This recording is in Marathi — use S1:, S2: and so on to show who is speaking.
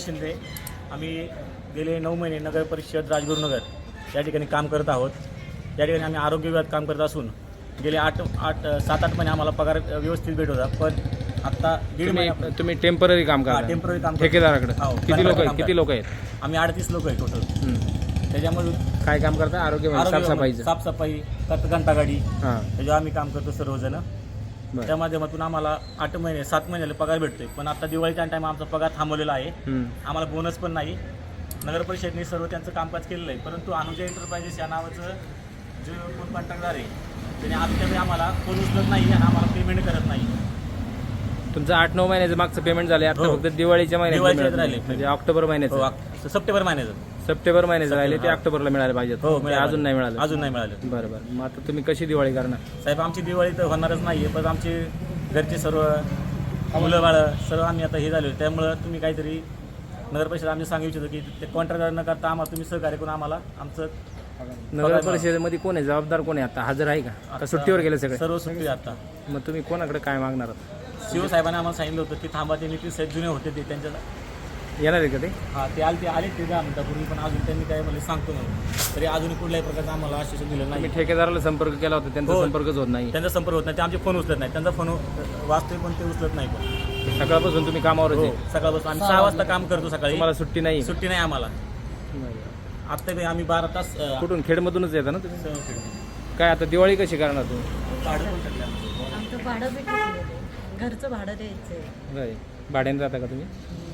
S1: शिंदे. आम्ही गेले 9 महिने नगर परिषद राजगुरुनगर या ठिकाणी काम करत आहोत. या ठिकाणी आम्ही आरोग्य विभागात काम करत असून गेले 7-8 महिने आम्हाला पगार व्यवस्थित भेट होता. पण आता दीड महिना
S2: तुम्ही टेम्पररी काम करा,
S1: टेम्पररी काम
S2: ठेकेदाराकडे
S1: हो,
S2: किती लोक आहेत?
S1: आम्ही 38 लोक आहे टोटल. त्याच्यामध्ये
S2: काय काम करता? आरोग्य
S1: साफसफाई घंटागाडी
S2: हां,
S1: त्याच्यावर आम्ही काम करतो सर्वजण. त्या माध्यमातून आम्हाला 7 महिन्याला पगार भेटतोय. पण आता दिवाळीच्या टाइम आमचा पगार थांबवलेला आहे. आम्हाला बोनस पण नाही. नगर परिषदेने सर्व त्यांचं कामकाज केलेलं आहे. परंतु अनुजा एंटरप्राइजेस या नावाचं जे कोण कॉन्ट्रॅक्टदार आहे त्याने आजच्या आम्हाला फोन उचलत नाही आणि आम्हाला पेमेंट करत नाही.
S2: तुमचं 8-9 महिन्याचं मागचं पेमेंट झाले, आता फक्त दिवाळीच्या महिन्यात राहिले, म्हणजे ऑक्टोबर महिन्याचं, सप्टेंबर महिन्याचं राहिले ते ऑक्टोबरला मिळाले पाहिजेत. अजून नाही मिळाले. बरोबर. मग आता तुम्ही कशी दिवाळी करणार?
S1: साहेब आमची दिवाळी तर होणारच नाहीये. पण आमचे घरचे सर्व मुलं बाळं सर्व आम्ही आता हे झालो. त्यामुळं तुम्ही काहीतरी नगर परिषद आम्ही सांगू इच्छितो की ते कॉन्ट्रॅक्टर न करता आम्हाला तुम्ही सहकार्य करून आम्हाला आमचं.
S2: नगर परिषदेमध्ये कोण आहे, जबाबदार कोण आहे? आता हजर आहे का सुट्टीवर गेले सगळे?
S1: सर्व सुट्टी आता.
S2: मग तुम्ही कोणाकडे काय मागणार?
S1: शिव साहेबांनी आम्हाला सांगितलं होतं की थांबा, ते नितीन साहेब जुने होते ते त्यांच्या
S2: येणार आहे का ते?
S1: हां, ते आले ते 10 मिनिटापूर्वी. पण अजून त्यांनी काय मला सांगतो म्हणून तरी अजून कुठल्याही प्रकारचं आम्हाला आश्वासन दिलं नाही.
S2: ठेकेदाराला संपर्क केला होता, त्यांचा संपर्कच होत नाही.
S1: त्यांचा संपर्क होत नाही. ते आमचे फोन उचलत नाही. त्यांचा फोन वाचतोय पण ते उचलत नाही. पण
S2: सकाळपासून तुम्ही कामावरच आहे?
S1: सकाळपासून आम्ही 6 वाजता काम करतो सकाळी.
S2: तुम्हाला सुट्टी नाही?
S1: सुट्टी नाही आम्हाला. आता आम्ही 12 तास.
S2: कुठून? खेडमधूनच येतं ना तुम्ही? काय आता दिवाळी कशी करणार तुम्ही?
S1: भाडं पण टाकलं
S3: आमचं भाडं भेटलं, घरचं भाडं द्यायचं आहे.
S2: भाड्याने राहता का तुम्ही?